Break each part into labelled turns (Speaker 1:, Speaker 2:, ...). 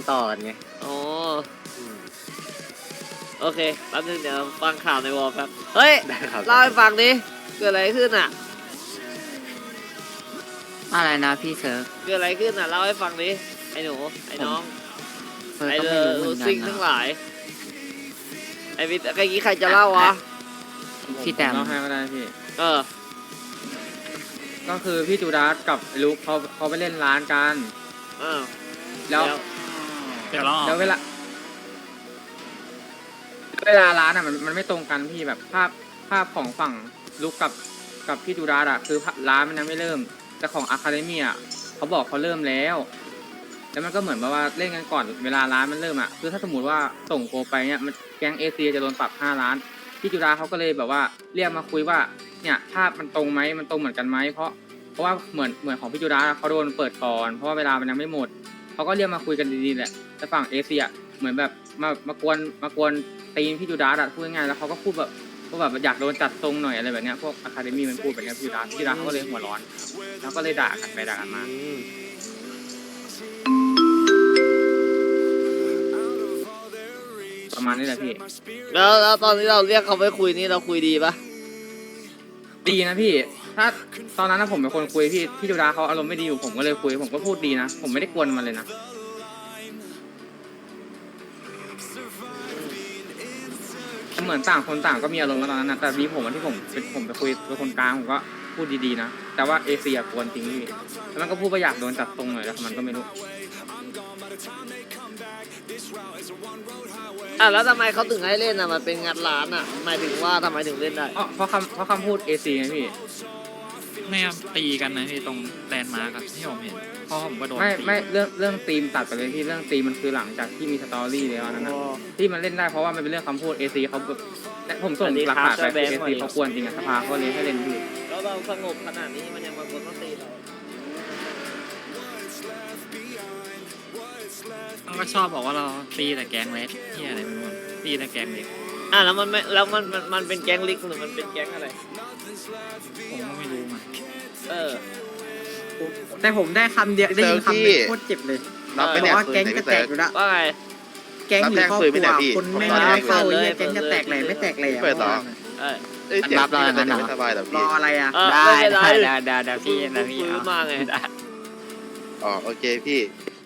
Speaker 1: ต่อกันไง
Speaker 2: โอ้โอเคแป๊บนึงเดี๋ยวฟังข่าวในวอลครับเฮ้ยเล่าให้ฟังดิเกิดอะไรขึ้นอ่ะ
Speaker 3: อะไรนะพี่เซิร์ฟ
Speaker 2: เกิดอะไรขึ้นอ่ะเล่าให้ฟังดิไอ้หนูไอ้น้องไอ้
Speaker 3: ก็
Speaker 2: เด
Speaker 3: ไม่
Speaker 2: อ
Speaker 3: รู้เหมื
Speaker 2: รู
Speaker 3: อนกั
Speaker 2: ซิ
Speaker 3: น
Speaker 2: งทั้งห
Speaker 3: นะ
Speaker 2: ลายไอ้วิทย์ไอ้กี้ใครจะเล่าวะ
Speaker 3: พี่แต้ม
Speaker 4: เล่าให้ก็ได้พี่
Speaker 2: เออ
Speaker 4: ก็คือพี่จูดาสกับลุกเขาไปเล่นร้านกัน
Speaker 2: เออ
Speaker 4: แล้ว
Speaker 5: เดี๋ยวรอ
Speaker 4: แล้วเวลาร้านอ่ะมันไม่ตรงกันพี่แบบภาพของฝั่งลุกกับพี่จูดาสอ่ะคือร้านมันยังไม่เริ่มแต่ของอะคาเดมี่อ่ะเขาบอกเขาเริ่มแล้วมันก็เหมือนแบบว่าเล่นกันก่อนเวลาร้านมันเริ่มอ่ะคือถ้าสมมติว่าส่งโกไปเนี่ยมันแก๊งเอเชียจะโดนปรับ5 ล้านพี่จูดาเขาก็เลยแบบว่าเรียกมาคุยว่าเนี่ยภาพมันตรงไหมมันตรงเหมือนกันไหมเพราะว่าเหมือนของพี่จูดาเขาโดนเปิดก่อนเพราะว่าเวลามันยังไม่หมดเขาก็เรียกมาคุยกันดีๆแหละแต่ฝั่งเอเชียเหมือนแบบมากวนตีนพี่จูดาพูดง่ายๆแล้วเขาก็พูดแบบอยากโดนจัดทรงหน่อยอะไรแบบเนี้ยพวกอะคาเดมี่มันพูดแบบเนี้ยพี่จูดาเขาก็เลยหัวร้อนแล้วก็เลยด่ากันไปด่ากันมาประมาณนี้แหละพี่
Speaker 2: แล้วตอนที่เราเรียกเขาไปคุยนี่เราคุยดีปะ
Speaker 4: ดีนะพี่ถ้าตอนนั้นนะผมเป็นคนคุยพี่จูดาเขาอารมณ์ไม่ดีอยู่ผมก็เลยคุยผมก็พูดดีนะผมไม่ได้กวนมันเลยนะเหมือนต่างคนต่างก็มีอารมณ์กันตอนนั้นนะแต่ดีผมที่ผมไปคุยเป็นคนกลางผมก็พูดดีๆนะแต่ว่าเอเชียกวนจริงพี่แล้วมันก็พูดว่าอยากโดนจัดตรงหน่อยแล้วมันก็ไม่รู้
Speaker 2: แล้วทำไมเขาถึงให้เล่นอ่ะมันเป็นงานร้านอ่ะหมายถึงว่าทำไมถึงเล่นได้
Speaker 4: เพราะคำพูดเอเชียไงพี่
Speaker 5: ไม่ตีกันนะพี่ตรงแลนด์มาร์กที่ผมเห็นพ่อผมก็โดน
Speaker 4: ไม่เรื่องธีมตัดไปเลยที่เรื่องธีมมันคือหลังจากที่มีสตอรี่แล้วนั่นนะที่มันเล่นได้เพราะว่ามันเป็นเรื่องคำพูดเอซีเขาผมส่งหลักฐานไปเอซีเขาควรจริงอะสภาเขาเลยให้เล่นพี่
Speaker 2: แล้วเราสงบขนาดนี้มันยังมาคนต้องตีเรา
Speaker 5: ก็ชอบบอกว่าเราตีแต่แก๊งเล็กที่อะไรไม่รู้ตีแต่แก๊งเล็ก
Speaker 2: แล้วมันไม่แล้วมันเป็นแก๊งลิกหรือมันเป็นแก๊งอะไร
Speaker 5: ผมก็ไม่รู้มัน
Speaker 3: แต่ผมได้คำเดียวได้ยินคำเดียวโคตรเจ็บเลยเพราะว่าแก๊งจะแตกอยู่แล้ว
Speaker 2: ว่าไง
Speaker 3: แก๊งหรือครอบครัวคนไม่ได้เข้าเลยแก๊งจะแตกเลยไม่แตกเลย
Speaker 1: เปิดต่อ
Speaker 3: รับเราอย่างนั้นไม่สบายแต่รออะไรอ่ะได้พี่
Speaker 2: มาไง
Speaker 1: อ๋อโอเคพี่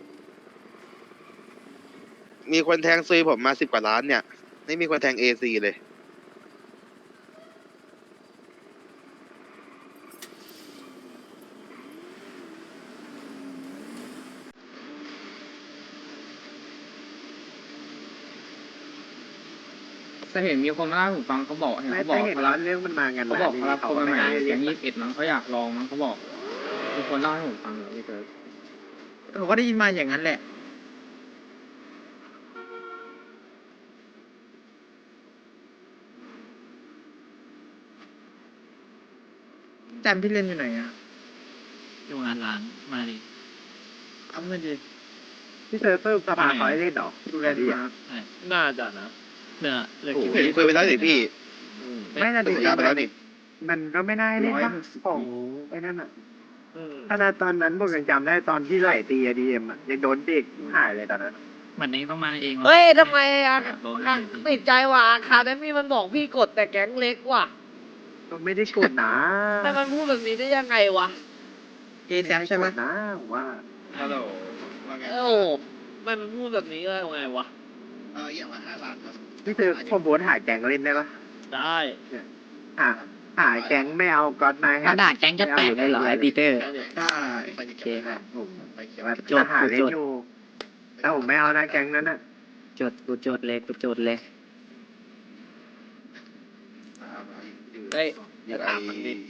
Speaker 1: มีคนแทงซุยผมมา10 กว่าล้านเนี่ยไม่มีคนแทงเอซีเลย
Speaker 4: แต่เห็นมีคนมาเล่าให้ผมฟังเขาบอก
Speaker 3: เรื่องมันมากัน
Speaker 4: เขาบอกรับคนมาใหม่แก๊ง21มั้งเขาอยากลองมั้งเขาบอกมีคนเล่าให้ผมฟังพี่เกิร์ล
Speaker 3: ผมก็ได้ยินมาอย่างนั้นแหละแจมพี่เล่นอยู่ไหนอ่ะ
Speaker 5: อยู่งานร้านมาดิ
Speaker 3: ทำเงินดีพี่เซิร์ฟเพิ่มสภาขอให้เล่นหรอดูแลดีอ่ะ
Speaker 2: น่าจะนะ
Speaker 1: โอ้โหคุยไปแล้วสิพี่
Speaker 3: ไม่น่าดี
Speaker 1: ไปแล้วนี่
Speaker 3: มันก็ไม่น่าเล่นป่ะของไอ้นั่นอ่ะขนาดตอนนั้นผมยังจำได้ตอนที่ไล่ตีADMอ่ะยังโดนเด็กหายเลยตอนนั้น
Speaker 5: มันเองต้องมาเอง
Speaker 2: เฮ้ยทำไมติดใจว่ะคาเดมี่มันบอกพี่กดแต่แก๊งเล็กว่ะ
Speaker 3: มันไม่ได้กดนะ
Speaker 2: แต่มันพูดแบบนี้ได้ยังไงวะ
Speaker 3: เกแซมใช่ไหมนะว่า
Speaker 1: ฮัลโหลว่าไง
Speaker 2: มันพูดแบบนี้ได้ยังไงวะ
Speaker 1: อย่างละ5 ล้านครับ
Speaker 3: พี่เจอคนโบนหาแก๊งเล่นได้ปะ
Speaker 2: ได้
Speaker 3: หาแก๊งไม่เอาก่อนนาย
Speaker 5: ด่าแก๊งจะแตกเลยเหรอไอ้ปีเตอร์
Speaker 1: ได้
Speaker 3: โอเคครับผมจดหาเล่นอยู่แต่ผมไม่เอานะแก๊งนั้นน่ะจดเลย
Speaker 2: เฮ้ยถามมันดิ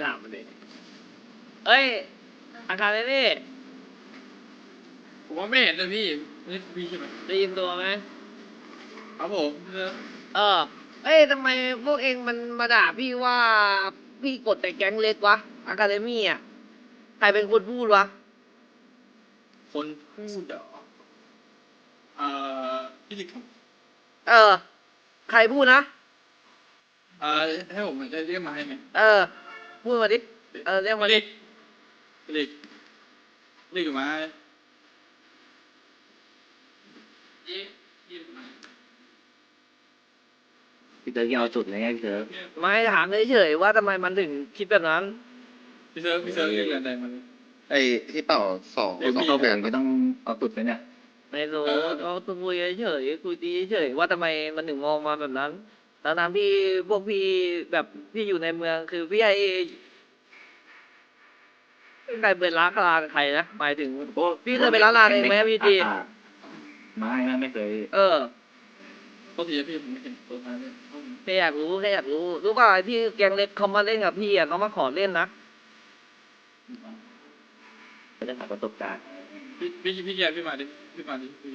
Speaker 2: เฮ้ยอาการเลยนี่
Speaker 4: ผมว่าไม่เห็นเลยพี่ไม่มีใช่ไหม
Speaker 2: ได้ยินตัวไหม
Speaker 4: ครับผม
Speaker 2: เอ้ยทำไมพวกเองมันมาด่าพี่ว่าพี่กดแต่แก๊งเล็กวะอะคาเดมี่อ่ะใครเป็นคนพูดวะ
Speaker 4: คนพูดเหรอพี่ลิกครับ
Speaker 2: ใครพูดนะ
Speaker 4: ให้ผมจะเรียกมาให้ไหม
Speaker 2: พูดมาดิเรียกมาดิ
Speaker 4: ลิกอยู่ไหม
Speaker 6: พี่เต๋อเอาสุดเลยไงพี่เต๋อ
Speaker 2: ไม่ถามเฉยๆว่าทำไมมันถึงคิดแบบนั้น
Speaker 5: พี่เซิร์ฟเรียกอะไรมัน
Speaker 1: ไอ้ที่เป่าสอง
Speaker 6: เดี๋ยว
Speaker 1: สอง
Speaker 6: เข้าแบ
Speaker 1: แป
Speaker 6: บ
Speaker 1: ด
Speaker 6: ไม่ต้องเอาสุดไปเนี่ย
Speaker 2: ไม่รู้เราคุยเฉยๆคุยดีเฉยๆว่าทำไมมันถึงมองมาแบบนั้นทั้งๆที่พวกพี่แบบพี่อยู่ในเมืองคือพี่ไอ้ใครเป็นร้านลากับใครนะหมายถึงพี่เคยไปร้านลาเองไหมพี่จี
Speaker 6: ไม่เคย
Speaker 2: เออ
Speaker 5: ปกติพี่ผมไม่เห็นตัวมาเนี่ย
Speaker 2: แค่อยากรู้รู้ป่ะที่แกงเล็กเขามาเล่นกับพี่อ่ะเขามาขอเล่นนะ
Speaker 6: ไม่ได้หาประสบการณ์
Speaker 5: พี่แกพี่มาดิพี่แก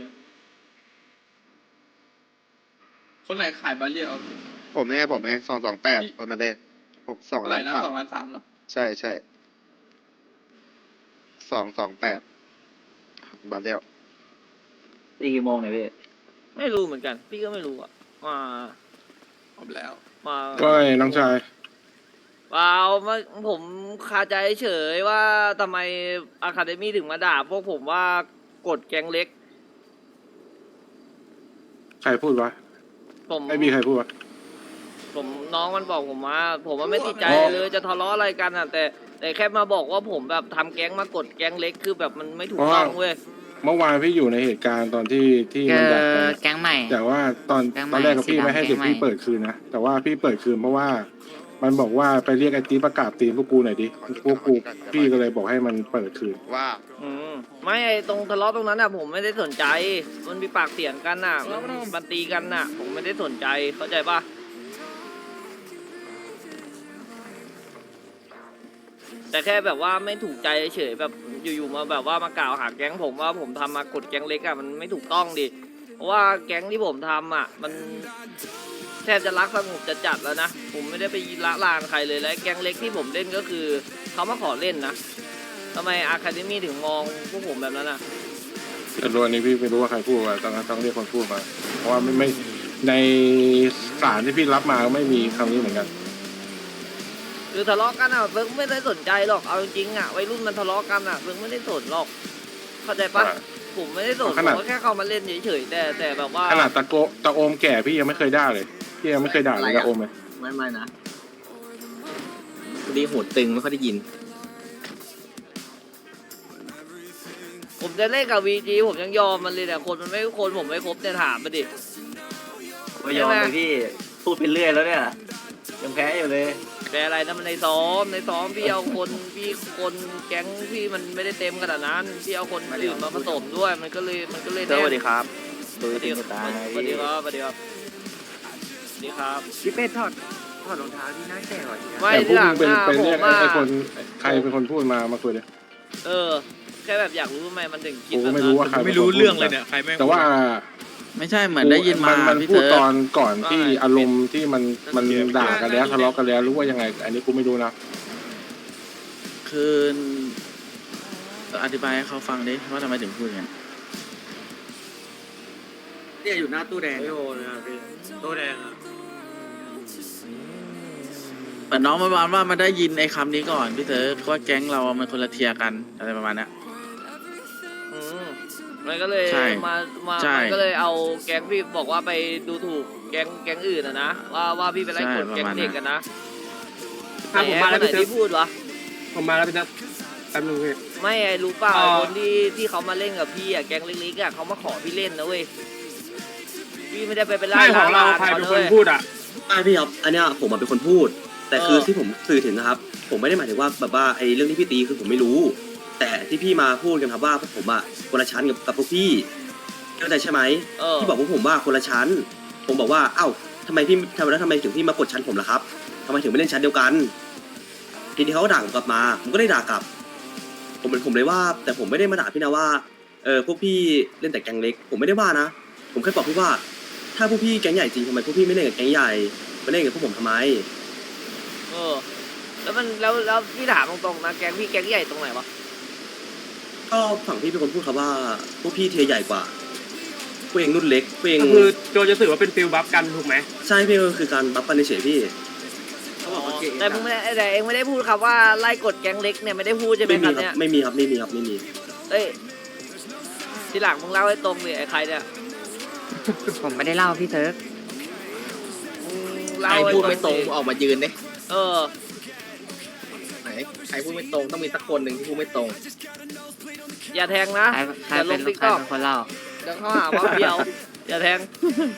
Speaker 5: คนไหนขายบาเรียเอา
Speaker 1: ผมเนี่ย228คนมาเล่นผม2
Speaker 5: อะไร
Speaker 1: ล้าน
Speaker 5: นะ
Speaker 1: สาม
Speaker 5: 2,300,000หรอ
Speaker 1: ใช่228บาทเดียว
Speaker 6: ตีกี่โมงเนี่ยพี่
Speaker 2: ไม่รู้เหมือนกัน พี่ก็ไม่รู้อ่ะมา
Speaker 5: ผมแล้ว
Speaker 2: มา
Speaker 7: ก็น้องชาย
Speaker 2: เปล่ามาผมคาใจเฉยว่าทำไมอะคาเดมี่ถึงมาด่าพวกผมว่ากดแกงเล็ก
Speaker 7: ใครพูดวะ
Speaker 2: ผม
Speaker 7: ไม่มีใครพูดวะ
Speaker 2: ผมน้องมันบอกผมว่าผมว่าไม่ติดใจ
Speaker 7: อ๋อ
Speaker 2: เลยจะทะเลาะอะไรกันอ่ะ แต่แค่มาบอกว่าผมแบบทำแก๊งมากดแก๊งเล็กคือแบบมันไม่ถูกต้องเว้ย
Speaker 7: เมื่อวานพี่อยู่ในเหตุการณ์ตอนที่มันดักกัน
Speaker 8: แก๊งใหม่
Speaker 7: แต่ว่าตอน
Speaker 8: แก๊งใหม่
Speaker 7: ตอนแรกกับพี่
Speaker 8: สีดำ
Speaker 7: ไม่ให้เด็ก
Speaker 8: แก๊งใหม่
Speaker 7: พี่เปิดคืนนะแต่ว่าพี่เปิดคืนเพราะว่ามันบอกว่าไปเรียกไอ้ตีประกาศตีมพวกกูหน่อยดิพวกกูพี่ก็เลยบอกให้มันเปิดคืน
Speaker 1: ว่า
Speaker 2: ไม่ไอ้ตรงทะเลาะตรงนั้นอ่ะผมไม่ได้สนใจ มันมีปากเสียงกันน่ะมันตีกันน่ะ ผมไม่ได้สนใจเข้าใจปะแต่แค่แบบว่าไม่ถูกใจเฉยๆแบบอยู่ๆมาแบบว่ามากล่าวหาแก๊งผมว่าผมทำมากดแก๊งเล็กอ่ะมันไม่ถูกต้องดิเพราะว่าแก๊งที่ผมทำอ่ะมันแทบจะรักสงบจะจัดแล้วนะผมไม่ได้ไปละลานใครเลยและแก๊งเล็กที่ผมเล่นก็คือเขามาขอเล่นนะทำไมอะคาเดมี่ถึงมองพวกผมแบบนั้นอ่ะ
Speaker 7: แต่รู้อันนี้พี่ไม่รู้ว่าใครพูดว่าต้องเรียกคนพูดมา เพราะว่าไม่ในสารที่พี่รับมาก็ไม่มีคำนี้เหมือนกัน
Speaker 2: คือทะเลาะกันอ่ะเฟิร์กไม่ได้สนใจหรอกเอาจริงๆอ่ะวัยรุ่นมันทะเลาะกันอ่ะเฟิร์กไม่ได้สนหรอกเข้าใจปะ
Speaker 7: อ่า
Speaker 2: ผมไม่ได้สน
Speaker 7: ขนาด
Speaker 2: ผมก็แค่เข้ามาเล่นเฉยๆแต่แบบว่า
Speaker 7: ขนาดตะโอมแก่พี่ยังไม่เคยด่าเลยพี่ยังไม่เคยด่าเลยตะโอมเลย
Speaker 6: ไม่นะ
Speaker 8: พอดีโหดตึงไม่ค่อยได้ยิน
Speaker 2: ผมจะเล่นกับวีจีผมยังยอมมันเลยแต่คนมันไม่คนผมไม่ครบเนี่ยถามมาดิ
Speaker 6: ไม่ยอมเลยพี่พูดไปเรื่อยแล้วเนี่ยยังแพ้อยู่เลย
Speaker 2: แต่อะไรนะมันในซ้อมพี่เอาคนพี่คนแก๊งพี่มันไม่ได้เต็มขนาดนั้นพี่เอาคนอื่นมาผสมด้วยมันก็เลยแน่น
Speaker 6: สวัสดีครับ
Speaker 2: สวัสดีครับสวัสดีครับสวัสดีครับสวัสดีครับ
Speaker 3: พี่เป็ดถอดรองเท้าที่หน้าแก่กว่านี้
Speaker 2: ไม่
Speaker 7: แต่พว
Speaker 2: ที่
Speaker 7: ก
Speaker 2: หลั
Speaker 7: มึ
Speaker 2: ง
Speaker 7: งเป็น
Speaker 2: อ่ะ
Speaker 7: เป็น
Speaker 2: ผ
Speaker 7: เรียก
Speaker 2: มอ่ะ
Speaker 7: ไอ้คนใครเป็นคนพูดมาคุยเลย
Speaker 2: แค่แบบอยากรู้ทำไมมันถึงคิด
Speaker 7: กู
Speaker 2: แบบ
Speaker 7: ไม่
Speaker 2: นั้น
Speaker 7: รู้ว่าใคร
Speaker 5: ไม่รู้เรื่องเลยเนี่ยใครแม่ง
Speaker 7: แต่ว่า
Speaker 8: ไม่ใช่เหมือนได้ยินมา
Speaker 7: มัน
Speaker 8: พี่
Speaker 7: พูด
Speaker 8: เซิร์
Speaker 7: ต
Speaker 8: ฟ
Speaker 7: อนก่อนที่อารมณ์ที่มันด่ากันแล้วทะเลาะกันแล้วรู้ว่ายังไง อันนี้กูไม่รู้นะ
Speaker 8: คืออธิบายให้เขาฟังดิว่าทำไมถึงพูดอย่างนั้น
Speaker 3: เนี่ยอยู่หน้าตู้แดงโอ้นะครับพี่ตู้แดงอ่ะ
Speaker 8: เหมือนน้องมันว่ามันได้ยินไอ้คำนี้ก่อนพี่เซิร์ฟว่าแก๊งเรามันคนละเทียร์กันอะไรประมาณเนี้ย
Speaker 2: อืมมันก็เลย
Speaker 8: ใช่
Speaker 2: มา
Speaker 8: ใช่
Speaker 2: มันก็เลยเอาแก๊งพี่บอกว่าไปดูถูกแก๊งอื่นอะนะว่าพี่ไปไล่กดแก๊งเด็กกันนะ
Speaker 3: ผมมาแล้ว
Speaker 2: ไหน
Speaker 3: พี่เซิร์ฟ
Speaker 2: ที่พูดวะ
Speaker 3: ผมมาแล้วพี่เซิร์ฟแป๊บนึงพี่
Speaker 2: ไม่ไอ้รู้เปล่า
Speaker 3: อ๋อ
Speaker 2: คนที่เขามาเล่นกับพี่อะแก๊งเล็กๆอะเขามาขอพี่เล่นนะเว้ยพี่ไม่ได้ไปไล่
Speaker 3: ไม่ของเรา
Speaker 2: ล่
Speaker 3: ใครเป็น
Speaker 2: ขา
Speaker 3: คน
Speaker 2: ลย
Speaker 3: พูดอ่ะ
Speaker 9: ไม่พี่ครับอันเนี้ยผมเป็นคนพูด แต่คือ
Speaker 2: เออ
Speaker 9: ที่ผมสื่อถึงนะครับ ผมไม่ได้หมายถึงว่าแบบว่าไอ้เรื่องที่พี่ตีคือผมไม่รู้ แต่ที่พี่มาพูดกันครับว่าพวกผมอะคนละชั้นกับพวกพี่เข้าใจใช่ไหม ที่บอกพวกผมว่าคนละชั้น ผมบอกว่าเอ้าทำไมถึงพี่มากดชั้นผมล่ะครับทำไมถึงไม่เล่นชั้นเดียวกันทีนี้เขาก็ด่าผมกลับมา ผมก็ได้ด่ากลับ ผมเลยว่า แต่ผมไม่ได้มาด่าพี่นะว่าพวกพี่เล่นแต่แก๊งเล็ก ผมไม่ได้ว่านะ ผมแค่บอกพี่ว่า ถ้าพวกพี่แก๊งใหญ่จริงทำไมพวกพี่ไม่เล่นกับแก๊งใหญ่มาเล่นกับพวกผมทำไม
Speaker 2: แล้วพี่ถามตรงๆนะแก๊งพี่แก๊งใหญ่ตรงไหนวะ
Speaker 9: ก็ฝั่งพี่เป็นคนพูดครับว่าพวกพี่เทียร์ใหญ่กว่าพวกเองรุ่นเล็กพวกเอง
Speaker 3: ก็คือโจจะถือว่าเป็นฟิลบัฟกันถูกไหม
Speaker 9: ใช่พี่ก็คือการบัฟกันเฉยๆพี่
Speaker 2: แต่มึงไม่ได้แต่เองไม่ได้พูดครับว่าไล่กดแก๊งเล็กเนี่ยไม่ได้พูดใช่ไหม
Speaker 9: ไม่
Speaker 2: ค
Speaker 9: มี
Speaker 2: รับ
Speaker 9: ครั
Speaker 2: เนี่ย
Speaker 9: บไม่มีครับไม่มีครับไม่มี
Speaker 2: เอ้ยทีหลังมึงเล่าให้ตรงเลยไอ้ใครเนี่ย
Speaker 3: ผมไม่ได้เล่าพี่เซิร์ฟ
Speaker 2: เล่า
Speaker 6: ใคร
Speaker 2: ให้
Speaker 6: พูดไม่
Speaker 2: ฟั
Speaker 6: ตรง
Speaker 2: สิ
Speaker 6: ออกมายืนดิ
Speaker 2: เออ
Speaker 6: ไหนใครพูดไม่ตรงต้องมีสักคนหนึ่งที่พูดไม่ตรง
Speaker 2: อย่าแทงนะ
Speaker 3: ใคร
Speaker 2: อย่าล
Speaker 3: เป็
Speaker 2: ง
Speaker 3: น
Speaker 2: ติ๊ก
Speaker 3: ใคร
Speaker 2: ต็อก
Speaker 3: เป็นคนเล่า
Speaker 2: เดี๋ยวเขาหาว่าเบี้ยว อย่าแทง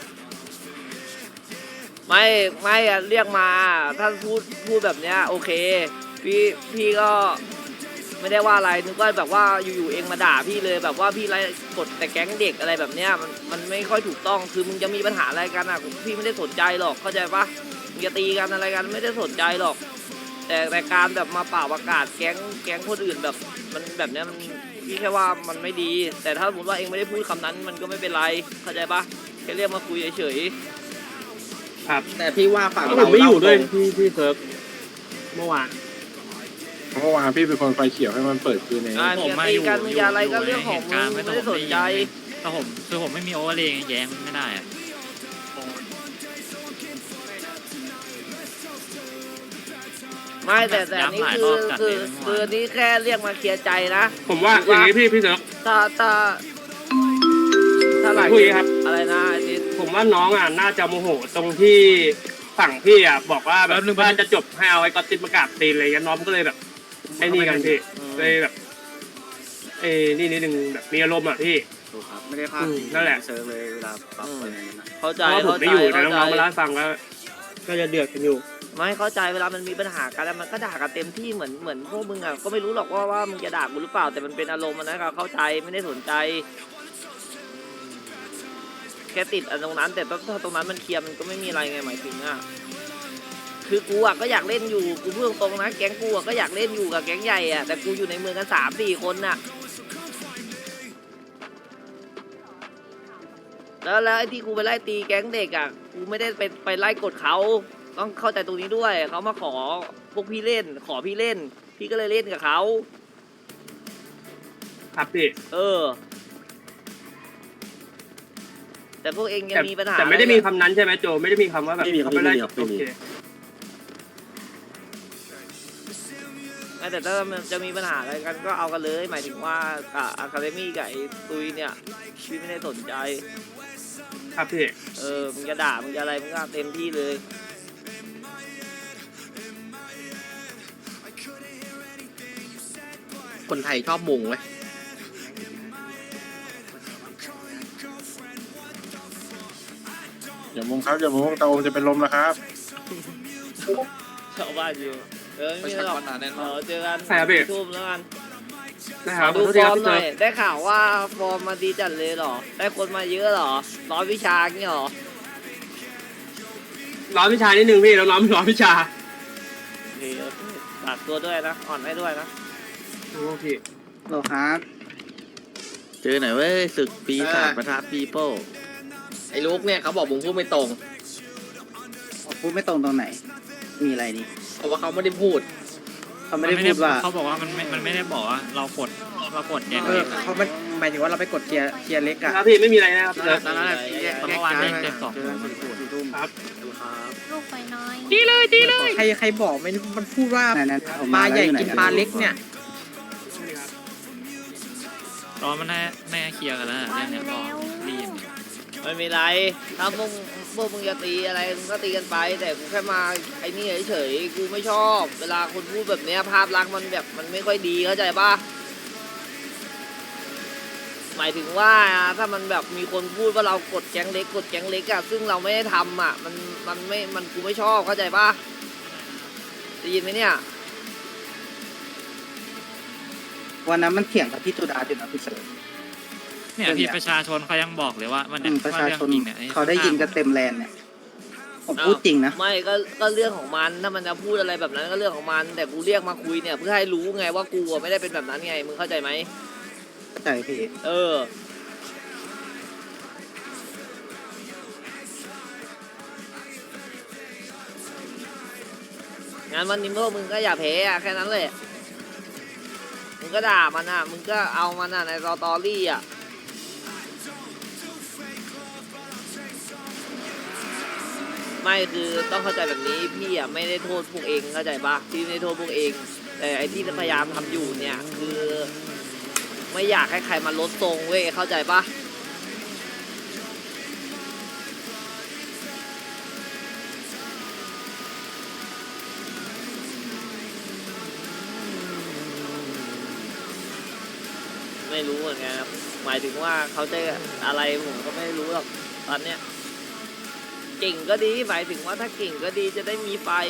Speaker 2: ไม่อะเรียกมาถ้าพูดแบบเนี้ยโอเคพี่ก็ไม่ได้ว่าอะไรนึกว่าแบบว่าอยู่ๆเองมาด่าพี่เลยแบบว่าพี่ไล่กดแต่แก๊งเด็กอะไรแบบเนี้ยมันไม่ค่อยถูกต้องคือมึงจะมีปัญหาอะไรกันอ่ะพี่ไม่ได้สนใจหรอกเข้าใจปะมึงจะตีกันอะไรกันไม่ได้สนใจหรอก แต่การแบบมาเป่าประกาศแก๊งคนอื่นแบบมันแบบเนี้ยมันพี่แค่ว่ามันไม่ดี แต่ถ้าสมมติว่าเองไม่ได้พูดคำนั้นมันก็ไม่เป็นไรเข้าใจปะแค่เรียกมาคุยเฉย
Speaker 6: แต่พี่ว่าฝั่ง
Speaker 3: ผม
Speaker 6: เรา
Speaker 3: ไม่อยู่ด้วย
Speaker 6: พี่เซิร์ฟเมื่อวาน
Speaker 7: เมื่อวานพี่เป็นคนไฟเขียวให้มันเปิดคืนเอง
Speaker 2: ๆมึงตีกันมึงอย่าอะไรก็เรื่องของมึงไม่ได้สนใจ
Speaker 5: แต่ผมคือผมไม่มีโอเวอร์เลย์แย้งไม่ได้อะ
Speaker 2: ไม่แต่นี่คือนี่แค่เรียกมาเคลียร์ใจนะ
Speaker 3: ผมว่าอย่างนี้พี่เซิร์ฟ
Speaker 2: ถ้าหลาย
Speaker 3: คุยครับ
Speaker 2: อะไรนะไอ้ทิศ
Speaker 3: ผมว่าน้องอ่ะน่าจะโมโหตรงที่ฝั่งพี่อ่ะบอกว่าแบบว่าจะจบให้เอาไอ้ก๊อตติดประกาศตีนอะไรเงี้ยน้องก็เลยแบบไอ้นี่กันพี่เลยแบบนี่นิดนึงแบบมีอารมณ์อ่ะพี่
Speaker 6: ถูกครับไม่ได้พลาด
Speaker 3: นั่นแหละ
Speaker 6: เซิร์ฟเลยเวลาปรับอะไรนั้นนะ
Speaker 2: เข้าใจ
Speaker 3: เพราะว่าผม
Speaker 2: เข้า
Speaker 3: ไม่
Speaker 2: ใจ
Speaker 3: อยู่แต่
Speaker 2: เข้า
Speaker 3: น้องๆมา
Speaker 2: ใจ
Speaker 3: เล่าให้ฟังว่าก็จะเดือดกันอยู่
Speaker 2: ไม่เข้าใจเวลามันมีปัญหากันแล้วมันก็ด่ากันเต็มที่เหมือนพวกมึงอ่ะก็ไม่รู้หรอกว่ามึงจะด่ากูหรือเปล่าแต่มันเป็นอารมณ์นะก็เข้าใจไม่ได้สนใจ แค่ติดอันตรงนั้นแต่ถ้าตรงนั้นมันเคลียร์มันก็ไม่มีอะไรไงหมายถึงอ่ะคือกูอ่ะก็อยากเล่นอยู่กูพูดตรงๆนะแก๊งกูอ่ะก็อยากเล่นอยู่กับแก๊งใหญ่อ่ะแต่กูอยู่ในเมืองกัน3-4 คนน่ะแล้วไอ้ที่กูไปไล่ตีแก๊งเด็กอ่ะกูไม่ได้ไปไล่กดเขาต้องเข้าใจตรงนี้ด้วยเขามาขอพวกพี่เล่นขอพี่เล่น พี่ก็เลยเล่นกับเขา
Speaker 3: ครับพี่
Speaker 2: แต่พวกเองยังมีปัญหา
Speaker 3: แต่ไม่ได้มีคำนั้นใช่ไหมโจไม่ได้มีคำว่าแบบ
Speaker 9: ไม่มีครับ
Speaker 3: เขาป
Speaker 9: ไม่มีครับไม่
Speaker 3: โอ
Speaker 9: มี
Speaker 3: เค
Speaker 2: แต่ถ้ามันจะมีปัญหาอะไรกันก็เอากันเลย หมายถึงว่ากับอะคาเดมี่กับไอ้ตุยเนี่ยพี่ไม่ได้สนใจ
Speaker 3: ครับพี่
Speaker 2: มึงจะด่ามึงจะอะไรมึงก็เต็มที่เลย
Speaker 6: คนไทยชอบมุงเว้ย
Speaker 7: อย่ามงครับอย่ามงตาโอมจะเป็นลมแล้วครับ
Speaker 2: ชาวบ้านอยู่ไม่มีหรอกเจอกัน
Speaker 3: ใช่ครับพี่
Speaker 2: ทุ่มแล้วกัน
Speaker 3: นะครับ
Speaker 2: ดู
Speaker 3: ขอโทษ
Speaker 2: ฟ
Speaker 3: ที
Speaker 2: อ
Speaker 3: ค
Speaker 2: ร์
Speaker 3: รับ
Speaker 2: ม
Speaker 3: พี่
Speaker 2: ห
Speaker 3: เซิ
Speaker 2: น่อ
Speaker 3: ร์
Speaker 2: ย
Speaker 3: ฟ
Speaker 2: ได้ข่าวว่าฟอร์มมาดีจัดเลยเหรอได้คนมาเยอะเหรอร้อยวิชาเงี้ยเหรอ
Speaker 3: ร้อนวิชานิดนึงพี่แล้วร้อนวิชา
Speaker 2: โอเคฝากตัวด้วยนะอ่อนให้ด้วยนะ
Speaker 3: โอเค
Speaker 8: โลครับเจอหน่อยเว้ยศึกปีศาจประทับปีโป้
Speaker 6: ไอ้ลูกเนี่ยเขาบอกมึงพูดไม่ตรง
Speaker 8: พูดไม่ตรงตรงไหน มีอะไรนี่
Speaker 6: เพราะว่าเขาไม่ได้พูด
Speaker 8: เขาไม่ได้พูดว่า
Speaker 5: เขาบอกว่ามันไม่ได้บอกว่าเรากดแย้งเล็ก
Speaker 8: เขาไม่หมายถึงว่าเราไปกดเกียร์เล็กอะ
Speaker 3: ครับพี่ไม่มีอะไรนะครับพี่เซิร์ฟ
Speaker 5: ตอนนั้นเมื่อวานได้เต็ม2มันพูด
Speaker 3: ครับ
Speaker 10: ลูกไปน้อย
Speaker 8: ใครบอกไม่มันพูดว่าปลาใหญ่กินปลาเล็กเนี่ย
Speaker 5: ตอนมันแน่เคลียร์กันแล้วเรื่องเนี้ยก็รีบ
Speaker 2: ไม่มีไรถ้าพวกมึงจะตีอะไรมึงก็ตีกันไป แต่กูแค่มาไอ้นี่เฉยๆกูไม่ชอบ เวลาคนพูดแบบเนี้ยภาพลักษณ์มันแบบมันไม่ค่อยดีเข้าใจปะหมายถึงว่าถ้ามันแบบมีคนพูดว่าเรากดแก๊งเล็กอะซึ่งเราไม่ได้ทำอะมันกูไม่ชอบเข้าใจปะได้ยินไหมเนี่ย
Speaker 8: วันนั้นมันเถียงกับพี่ตูดาอยู่นะพี่เสิร์ฟ
Speaker 5: เนี่ยพี่ประชาชนเขายังบอกเลยว่ามันเนี่ย
Speaker 8: ประ
Speaker 5: ว่า
Speaker 8: ชา
Speaker 5: เรื่อง
Speaker 8: ชน
Speaker 5: จริงเนี่ย
Speaker 8: เขาได้ยินกันเต็มแลนเนี่ยผมพูดจริงนะ
Speaker 2: ไม่ก็เรื่องของมันถ้ามันจะพูดอะไรแบบนั้นก็เรื่องของมัน แต่กูเรียกมาคุยเนี่ยเพื่อให้รู้ไงว่ากูอะไม่ได้เป็นแบบนั้นไงมึงเข้าใจไหม
Speaker 8: เข้าใจพี่
Speaker 2: งั้นวันนี้พวกมึงก็อย่าแพ้อะแค่นั้นเลยมึงก็ด่ามันอ่ะมึงก็เอามันอ่ะในสตอรี่อ่ะไม่คือต้องเข้าใจแบบนี้พี่อ่ะไม่ได้โทษพวกเองเข้าใจปะพี่ไม่ได้โทษพวกเอง แต่ไอ้ที่พยายามทำอยู่เนี่ยคือไม่อยากให้ใครมาลดทรงเว้ยเข้าใจปะไม่รู้เหมือนกันครับหมายถึงว่าเขาจะอะไรผมก็ไม่รู้หรอกตอนเนี้ยเก่งก็ดีหมายถึงว่าถ้าเก่งก็ดีจะได้มีไฟ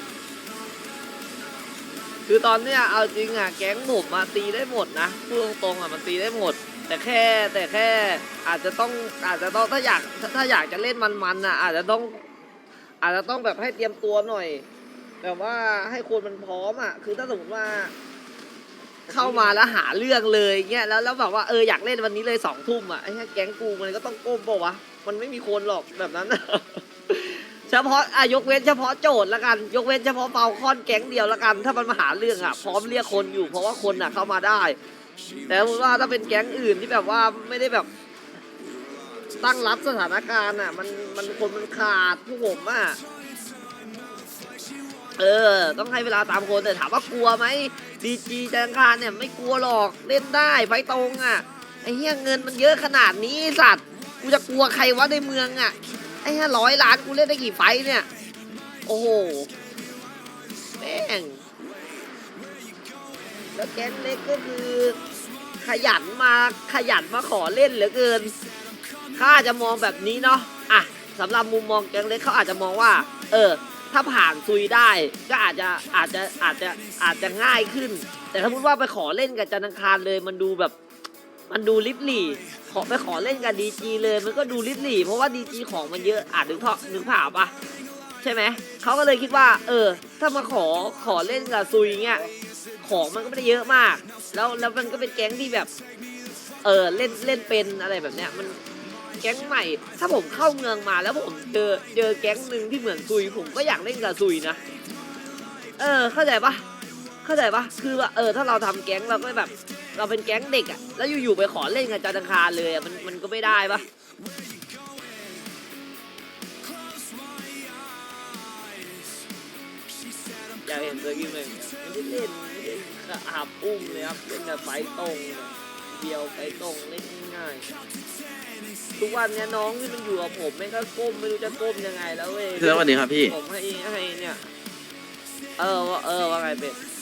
Speaker 2: คือตอนเนี้ยเอาจริงอ่ะแก๊งผมมาตีได้หมดนะพูดตรงๆอ่ะมันตีได้หมด แต่แค่อาจจะต้องถ้าอยากจะเล่นมันๆอ่ะอาจจะต้องแบบให้เตรียมตัวหน่อยแบบว่าให้คนมันพร้อมอ่ะคือถ้าสมมติว่า เข้ามาแล้วหาเรื่องเลยเงี้ยแล้วแบบว่าอยากเล่นวันนี้เลย2 ทุ่มอ่ะไอ้แก๊งกูมันก็ต้องก้มเปล่าวะมันไม่มีคนหรอกแบบนั้น เฉพาะยกเว้นเฉพาะโจทย์ละกันยกเว้นเฉพาะเปาคอนแก๊งเดียวละกันถ้ามันมาหาเรื่องอ่ะพร้อมเรียกคนอยู่เพราะว่าคนอ่ะเข้ามาได้ แต่สมมติว่าถ้าเป็นแก๊งอื่นที่แบบว่าไม่ได้แบบตั้งรับสถานการณ์อ่ะมันคนมันขาดพวกผมอ่ะต้องให้เวลาตามคนแต่ถามว่ากลัวไหมดีจีจังคารเนี่ยไม่กลัวหรอกเล่นได้ไฟตรงอ่ะไอ้เหี้ยเงินมันเยอะขนาดนี้สัตว์กูจะกลัวใครวะในเมืองอ่ะไอ้100 ล้านกูเล่นได้กี่ไฟเนี่ยโอ้โหแม่งแล้วแก๊งเล็กก็คือขยันมาขอเล่นเหลือเกินข้าจะมองแบบนี้เนาะอ่ะสำหรับมุมมองแก๊งเล็กเขาอาจจะมองว่าถ้าผ่านซุยได้ก็อาจจะง่ายขึ้นแต่ถ้าพูดว่าไปขอเล่นกับจันทร์อังคารเลยมันดูลิบหลี่ไปขอเล่นกับดีจีเลยมันก็ดูลิบหลี่เพราะว่าดีจีของมันเยอะนึกภาพปะใช่ไหมเขาก็เลยคิดว่าถ้ามาขอเล่นกับซุยเงี้ยของมันก็ไม่ได้เยอะมากแล้วมันก็เป็นแก๊งที่แบบเล่นเป็นอะไรแบบเนี้ยมันแก๊งใหม่ถ้าผมเข้าเมืองมาแล้วผมเจอแก๊งหนึ่งที่เหมือนซุยผมก็อยากเล่นกับซุยนะเข้าใจปะคือว่าถ้าเราทำแก๊งเราก็แบบเราเป็นแก๊งเด็กอ่ะแล้วอยู่ๆไปขอเล่นกับจันทร์อังคารเลยอ่ะมันก็ไม่ได้ปะอยากเห็นเซอร์กิมเลยไม่ได้เล่นไม่ได้หับอุ้มเลยครับเล่นแต่ไฟตรงเดียวไฟตรงเล่นง่ายทุกวันเนี้ยน้องที่มันอยู่กับผมแม่งก็ก้มไม่รู้จะก้มยังไงแล้วเว้ย
Speaker 8: แล้ววันนี้ครับพี่
Speaker 2: ผมให้เนี่ยว่าไงเป็ด